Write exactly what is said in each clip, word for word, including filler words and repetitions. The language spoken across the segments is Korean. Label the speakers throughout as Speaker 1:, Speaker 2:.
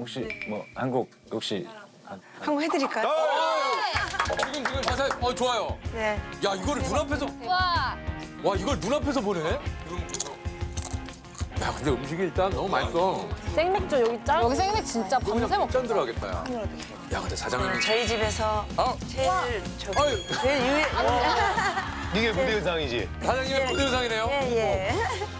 Speaker 1: 혹시 뭐 한 곡 혹시
Speaker 2: 한 번 해드릴까요?
Speaker 3: 지금 지금 자세 어 좋아요.
Speaker 2: 네.
Speaker 3: 야 이거를 눈앞에서
Speaker 4: 와.
Speaker 3: 와 이걸 눈앞에서 보네. 야 근데 음식이 일단 너무 맛있어.
Speaker 4: 생맥주 여기 짠. 여기 생맥 진짜 밤새 먹.
Speaker 3: 짠 들어가겠다. 야. 야 근데 사장님이
Speaker 2: 저희 집에서
Speaker 3: 아
Speaker 2: 제일 저기
Speaker 3: 아유.
Speaker 2: 제일 유해.
Speaker 5: 이게 무대 의상이지.
Speaker 3: 사장님의 무대 의상이네요.
Speaker 2: 예, 예.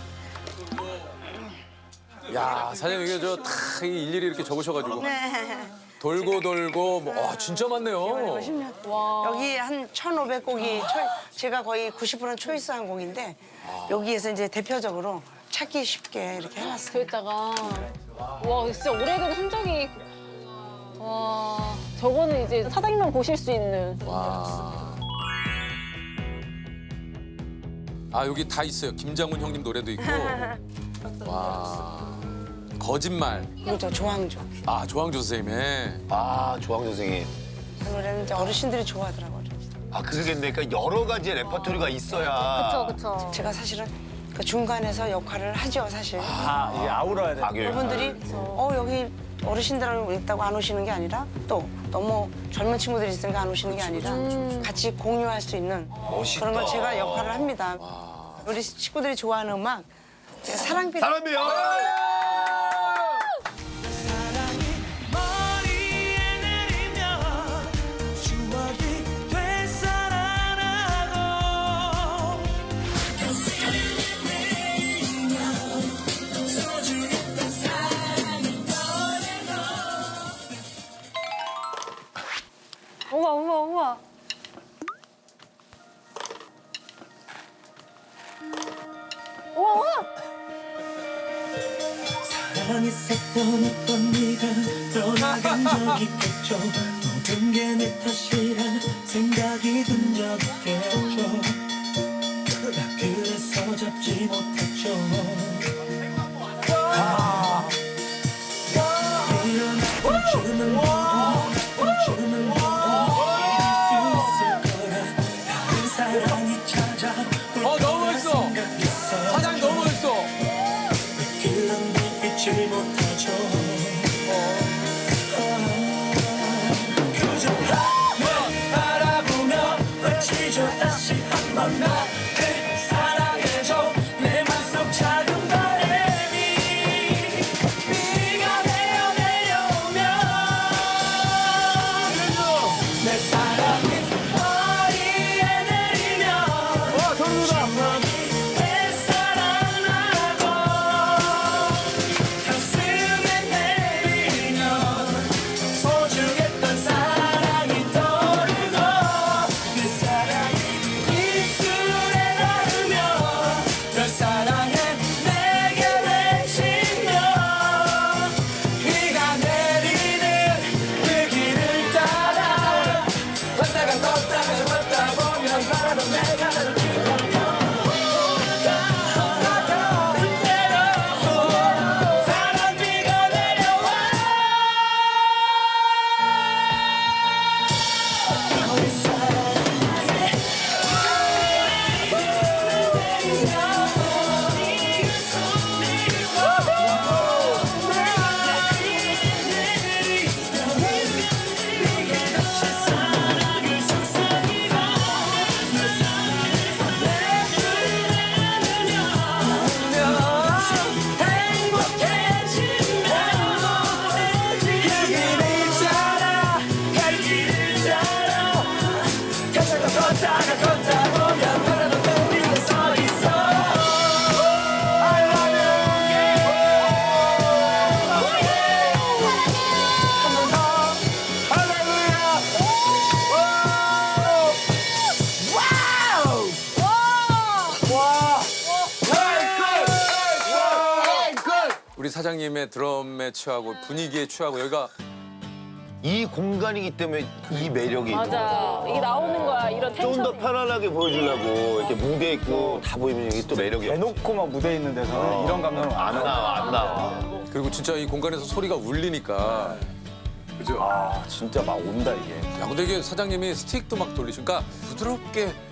Speaker 3: 야 사장님 이게 저다 일일이 이렇게 적으셔가지고
Speaker 2: 네.
Speaker 3: 돌고 돌고 뭐, 와 진짜 많네요.
Speaker 2: 여기 한 천오백 곡이 초, 제가 거의 구십 퍼센트 초이스한 곡인데 여기에서 이제 대표적으로 찾기 쉽게 이렇게 해놨어요.
Speaker 4: 저기다가 와 진짜 오래된 흔적이. 와 저거는 이제 사장님만 보실 수 있는.
Speaker 3: 와. 아 여기 다 있어요. 김장훈 형님 노래도 있고. 와. 거짓말.
Speaker 2: 그렇죠, 조항조.
Speaker 3: 아 조항조 선생님의.
Speaker 5: 아, 조항 선생님.
Speaker 2: 그 노래는 이제 어르신들이 좋아하더라고요.
Speaker 5: 아, 그러겠네. 그러니까 여러 가지 레퍼토리가 있어야.
Speaker 4: 그쵸.
Speaker 2: 제가 사실은 그 중간에서 역할을 하죠, 사실.
Speaker 1: 아 이게 아우러야 돼.
Speaker 5: 악역.
Speaker 2: 그분들이 어 여기 어르신들하고 있다고 안 오시는 게 아니라 또 너무 젊은 친구들이 있으니까 안 오시는 게 아니라 같이 공유할 수 있는
Speaker 5: 멋있다.
Speaker 2: 그런 걸 제가 역할을 합니다. 우리 친구들이 좋아하는 음악 제가 사랑비
Speaker 5: 사람이요.
Speaker 6: 머리에 내리면 추억이 되살아나고
Speaker 4: 우와 우와 우와. 우와 우와.
Speaker 6: 사랑했었던 어떤 네가 떠나간 적이 있겠죠. 모든 게 내 탓이란 생각이 든 적 있겠죠. 그래서 잡지 못했죠. 이런 아픔쯤은 모두 아픔쯤은 모두 잊을 수 있을 거라. 다른 사랑이 찾아올
Speaker 3: 어 너무
Speaker 6: 거라
Speaker 3: 멋있어.
Speaker 6: 생각했어.
Speaker 3: 사장님 너무 멋있어.
Speaker 6: 길랑도 잊지 못하죠. 그저 하늘 바라보며 외치죠. 다시 한 번 나를 사랑해줘. 내 맘속 작은 바람이 비가 되어 내려오면 내 사랑이 머리에 내리면 추억이 되살아나고 가슴에 내리면 소중했던 사랑이 떠오르고 그 사랑이 입술에 닿으면 널 사랑해 내게 외치며 비가 내리는 그 길을 따라 걷다가 걷다가 걷다 보면 바라도 내가 나를 지켜요. 사랑비가 내려와 우리 사랑해 사랑을 속삭이고 널 사랑해서 행복해진다. 그 길을 따라 갈 길을 따라 걷다가 걷다가 걷다 보면 바라도 내리고 서 있어. I love you. 한번 더. 할렐루야. 와우. 와.
Speaker 3: 우리 사장님의 드럼에 취하고 분위기에 취하고 여기가
Speaker 5: 이 공간이기 때문에 이 매력이
Speaker 4: 맞아. 이게 나오는 거야 이런
Speaker 5: 좀 더
Speaker 4: 텐션이.
Speaker 5: 편안하게 보여주려고 이렇게 무대 있고 다 보이면 이게 또 매력이 없지.
Speaker 1: 대놓고 막 무대 있는 데서는 이런 감정은 안
Speaker 5: 안 나와, 안 나와.
Speaker 3: 그리고 진짜 이 공간에서 소리가 울리니까 그죠?
Speaker 1: 아 진짜 막 온다 이게.
Speaker 3: 야 근데 이게 사장님이 스틱도 막 돌리시니까 부드럽게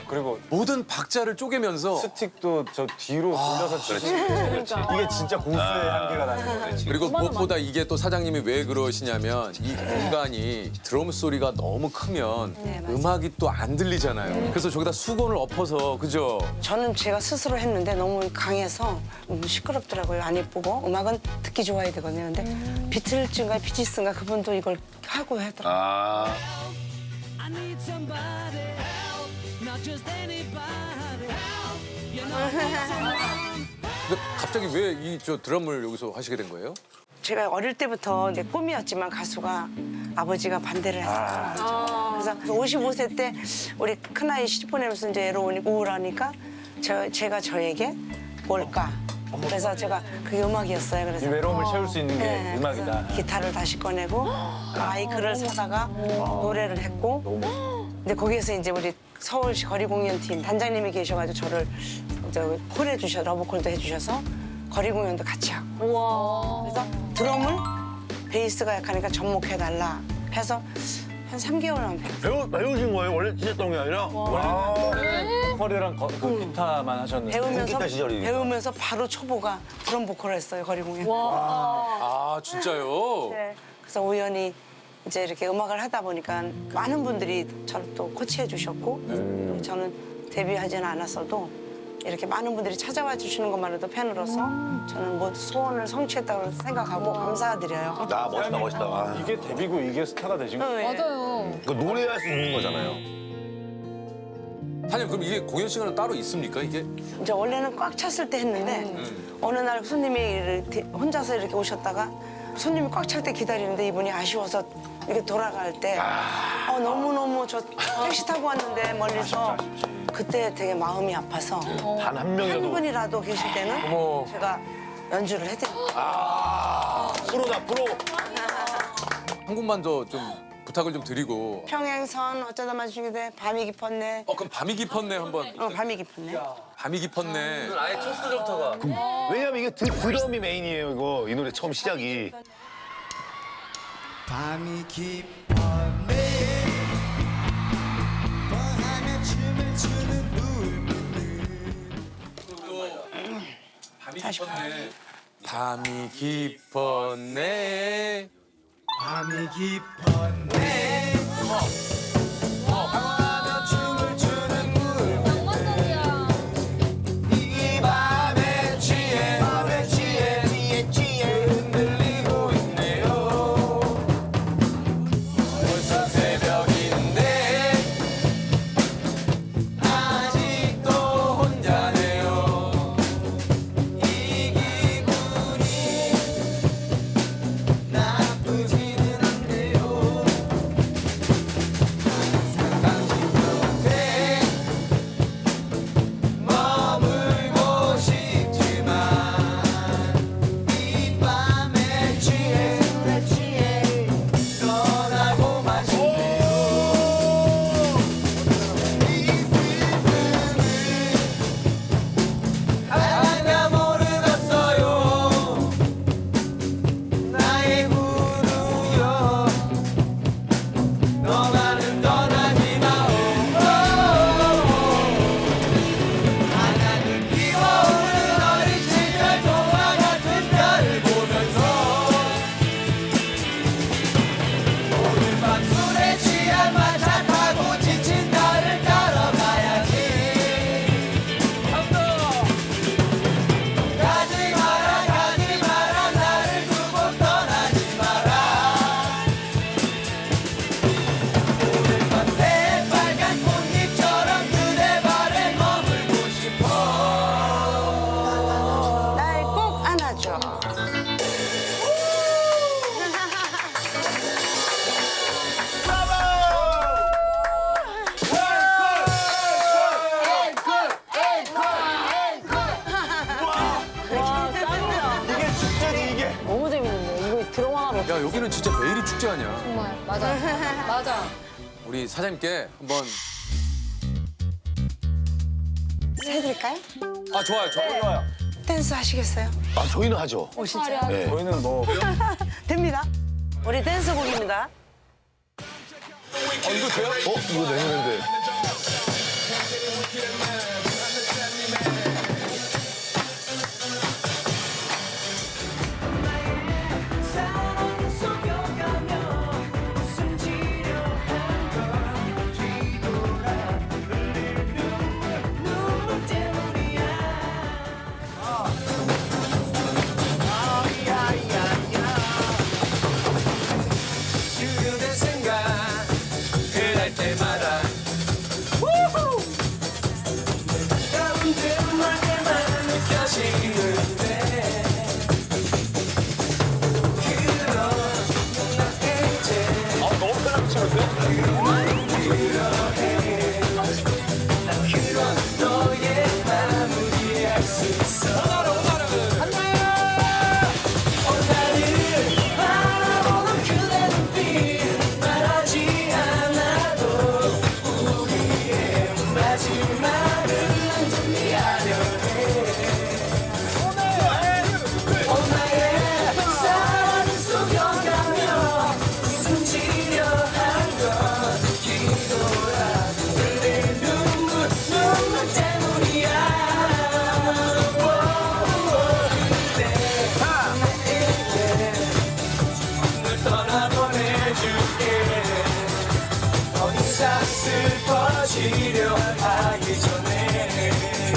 Speaker 1: 그리고
Speaker 3: 모든 박자를 쪼개면서
Speaker 1: 스틱도 저 뒤로 돌려서 치지. 이게 진짜 고수의 한계가 나는 거지.
Speaker 3: 그리고 무엇보다 이게 또 사장님이 왜 그러시냐면 이 공간이 드럼 소리가 너무 크면
Speaker 2: 네, 맞아요.
Speaker 3: 음악이 또 안 들리잖아요. 그래서 저기다 수건을 엎어서 그죠?
Speaker 2: 저는 제가 스스로 했는데 너무 강해서 너무 시끄럽더라고요. 안 예쁘고 음악은 듣기 좋아야 되거든요. 근데 비틀즈인가 비지스인가 그분도 이걸 하고 하더라고요.
Speaker 5: 아.
Speaker 6: I need somebody help, not just anybody help. You know,
Speaker 3: 근데 갑자기 왜 이 저 드럼을 여기서 하시게 된 거예요?
Speaker 2: 제가 어릴 때부터 이제 꿈이었지만 가수가 아버지가 반대를 했어요. 그래서 오십오 세 때 우리 큰아이 시집 보내면서 이제 애로우니 우울하니까 저, 제가 저에게 뭘까? 그래서 제가 그게 음악이었어요.
Speaker 1: 이
Speaker 2: 그래서
Speaker 1: 외로움을 채울 수 있는 게
Speaker 2: 네,
Speaker 1: 음악이다.
Speaker 2: 그래서 기타를 다시 꺼내고 마이크를 사다가 노래를 했고 근데 거기에서 이제 우리 서울시 거리공연팀 단장님이 계셔가지고 저를 저 콜 해주셔 러브콜도 해주셔서 거리공연도 같이 하고
Speaker 4: 우와.
Speaker 2: 그래서 드럼을 베이스가 약하니까 접목해달라 해서 한 삼 개월만 배웠어요.
Speaker 5: 배우, 배우신 거예요? 원래 치셨던 게 아니라? 와.
Speaker 1: 보컬이랑 거- 그 기타만 하셨는데.
Speaker 2: 배우면서
Speaker 5: 기타 시절이니까.
Speaker 2: 배우면서 바로 초보가 드럼 보컬을 했어요 거리공연.
Speaker 3: 아 진짜요?
Speaker 2: 네. 그래서 우연히 이제 이렇게 음악을 하다 보니까 많은 분들이 저를 또 코치해 주셨고 그리고 저는 데뷔하지는 않았어도 이렇게 많은 분들이 찾아와 주시는 것만으로도 팬으로서 저는 뭐 소원을 성취했다고 생각하고 감사드려요.
Speaker 5: 나 멋있다, 멋있다. 아.
Speaker 1: 이게 데뷔고 이게 스타가 되신 거.
Speaker 2: 네.
Speaker 4: 맞아요.
Speaker 5: 그 노래할 수 있는 거잖아요.
Speaker 3: 사장님 그럼 이게 공연 시간은 따로 있습니까 이게?
Speaker 2: 이제 원래는 꽉 찼을 때 했는데 어느 날 손님이 이렇게 혼자서 이렇게 오셨다가 손님이 꽉 찰 때 기다리는데 이분이 아쉬워서 이렇게 돌아갈 때 어, 너무너무 저 택시 타고 왔는데 멀리서 그때 되게 마음이 아파서
Speaker 5: 단 한
Speaker 2: 한
Speaker 5: 명이라도.
Speaker 2: 분이라도 계실 때는
Speaker 3: 어머.
Speaker 2: 제가 연주를 해드릴게요.
Speaker 5: 프로다, 프로.
Speaker 3: 한 곡만 더 좀 부탁을 좀 드리고.
Speaker 2: 평행선 어쩌다 마주치게 돼 밤이 깊었네.
Speaker 3: 어 그럼 밤이 깊었네 한번.
Speaker 2: 어 밤이 깊었네.
Speaker 3: 밤이 깊었네.
Speaker 5: 왜냐면 이게 드, 드럼이 메인이에요, 이거. 이 노래 처음 시작이.
Speaker 7: 밤이 깊었네 뻔하게 춤을 추는 눈빛들
Speaker 3: 밤이 깊었네. 밤이 깊었네.
Speaker 7: 밤이 깊었네 뻔하게 춤을 추는
Speaker 4: 낭만적이야.
Speaker 7: 이 밤에 취해 밤에 취해 취해 취해 흔들리고 있네요
Speaker 3: 벌써 새벽인데
Speaker 7: 아직도 혼자네요 이 기분이 나쁘지는 않네요 당신 곁에 머물고 싶지만 이 밤에 취해 술에 취해 떠나고만 싶네요 이 슬픔을 알았냐 모르겠어요 나의 구루여 너만은 떠나지 마오 하나는 피어오르는 어린 시절 동화 같은 별을 보면서 오늘 밤 술에 취한 마차 타고 지친 나를 따라가야지 가지 마라 가지 마라 나를 두고 떠나지 마라 오늘 밤 새빨간 꽃잎처럼 그대 발에 머물고 싶어
Speaker 2: 날 꼭 안아줘.
Speaker 1: 이게 축제지 이게.
Speaker 4: 너무 재밌는데. 이거 드럼 하나로.
Speaker 3: 야 여기는 진짜 매일이 축제 아니야.
Speaker 4: 정말. 맞아. 맞아.
Speaker 3: 우리 사장님께 한번.
Speaker 2: 해드릴까요?
Speaker 3: 아 좋아요 좋아요.
Speaker 2: 댄스 하시겠어요?
Speaker 5: 아, 저희는 하죠.
Speaker 2: 오 진짜?
Speaker 5: 네.
Speaker 1: 저희는 뭐
Speaker 2: 됩니다. 우리 댄스곡입니다.
Speaker 3: 어 이거 돼요?
Speaker 5: 어? 이거 내 노래인데.
Speaker 6: 사랑은 속여가며 웃음 지려 한건 뒤돌아 흘릴 눈물 눈물 때문이야 그대 생각 그날 때마다 가운데 멀게만 느껴지는데
Speaker 5: 아, 너무 편하게 치는데?
Speaker 6: 너의 마무리할 수 있어 오늘을 바라보는 그대 눈빛 말하지 않아도 우리의 마지막을 난 준비하려 오늘의 사랑을 속여가며 웃음 지려 한건 뒤돌아 흘릴 눈물 눈물 때문이야 널 떠나보내줄게 더 이상 슬퍼지려 하기 전에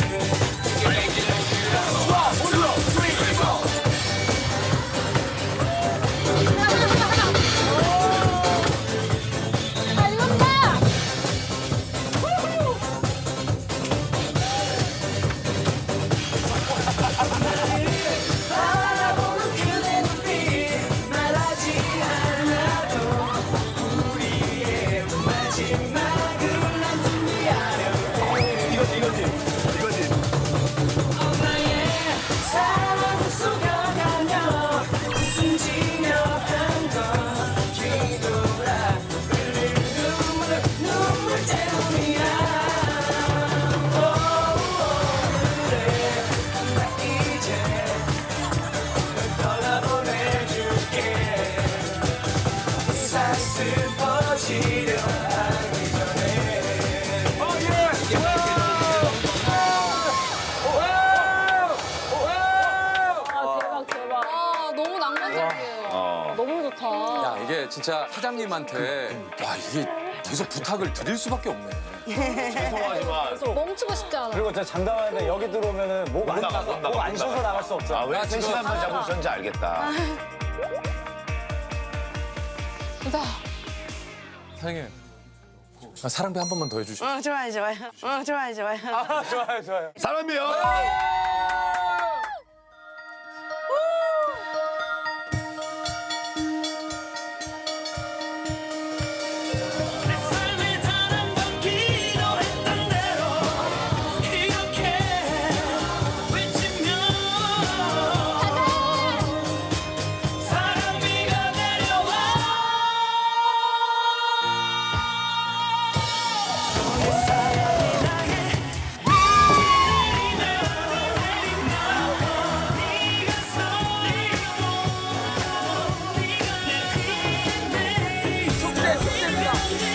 Speaker 6: 바라보는 그대 눈빛 말하지 않아도 우리의 마지막을 난 준비하려
Speaker 5: 이거지, 이거지. 이거지.
Speaker 6: 나의 사랑을 속여가며 웃음 지며 한건 뒤돌아 흘릴 눈물 눈물 때문이야 그래 나 이제 널 떠나보내줄게 이상 슬퍼지려 하기 전에
Speaker 4: 아 대박 대박. 아 너무 낭만적이에요.
Speaker 5: 어.
Speaker 4: 너무 좋다.
Speaker 3: 야 이게 진짜 사장님한테 와 이게 계속 부탁을 드릴 수밖에 없네.
Speaker 5: 죄송하지만.
Speaker 4: 멈추고 싶지 않아.
Speaker 1: 그리고 저 장담하는데 여기 들어오면은 목 안
Speaker 5: 나가, 못 나가,
Speaker 1: 목안
Speaker 5: 못
Speaker 1: 쉬어서
Speaker 5: 나가.
Speaker 1: 나갈 수 없어.
Speaker 5: 아, 왜
Speaker 3: 나
Speaker 5: 세
Speaker 3: 지금-
Speaker 5: 시간만 잡으셨는지 알겠다.
Speaker 3: 사장님 아, 사랑배 한 번만 더 해주시죠.
Speaker 2: 어 좋아요 좋아요. 어 좋아요 좋아요.
Speaker 1: 아, 좋아요, 좋아요.
Speaker 5: 사람이요.
Speaker 6: 내 삶에 단 한 번 기도했던 대로 이렇게 외치며 사랑비가 내려와 내 사랑이 나의 미리나 네가 서 있고 네가 내 귀에 내리 축제 축제입니다.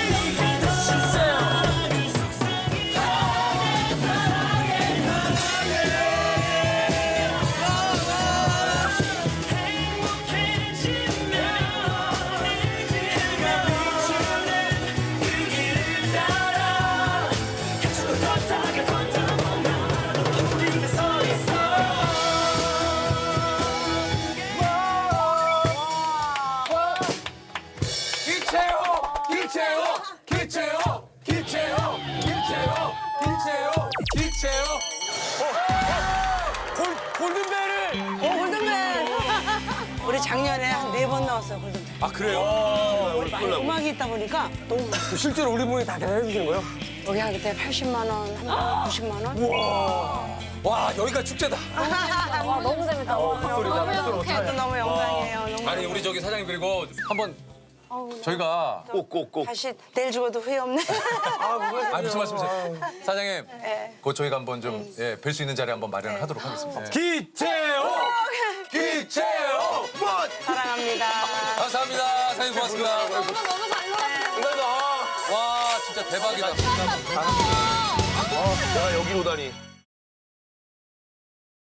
Speaker 3: 기체요, 기체요, 기체요, 기체요, 기체요, 기체요, 기체요.
Speaker 1: 골 골든벨을.
Speaker 2: 어 골든벨. 우리 작년에 한 네 번 나왔어요 골든벨.
Speaker 3: 아 그래요?
Speaker 2: 많이 음악이 있다 보니까 너무
Speaker 1: 실제로 우리 분이 다 계산해 주시는 거예요?
Speaker 2: 여기 한 그때 팔십만 원, 한 구십만 원.
Speaker 3: 와 여기가 축제다.
Speaker 4: 와 너무 재밌다. 와, 너무 행복해.
Speaker 2: 또 너무 영광이에요. 너무
Speaker 3: 아니 우리 저기 사장님 그리고 한번 저희가
Speaker 5: 꼭, 꼭, 꼭.
Speaker 2: 다시 내일 죽어도 후회 없네.
Speaker 3: 아 무슨 말씀이세요? 사장님,
Speaker 2: 네.
Speaker 3: 곧 저희가 한번 좀 예, 뵐 수 있는 자리 한번 마련을 하도록 하겠습니다. 예.
Speaker 1: 기체요. 기체요.
Speaker 2: 사랑합니다.
Speaker 3: 감사합니다. 사장님 고맙습니다.
Speaker 4: 너무 너무 잘 놀았어요.
Speaker 3: 와 진짜 대박이다.
Speaker 4: 아,
Speaker 5: 내가 여기로 다니.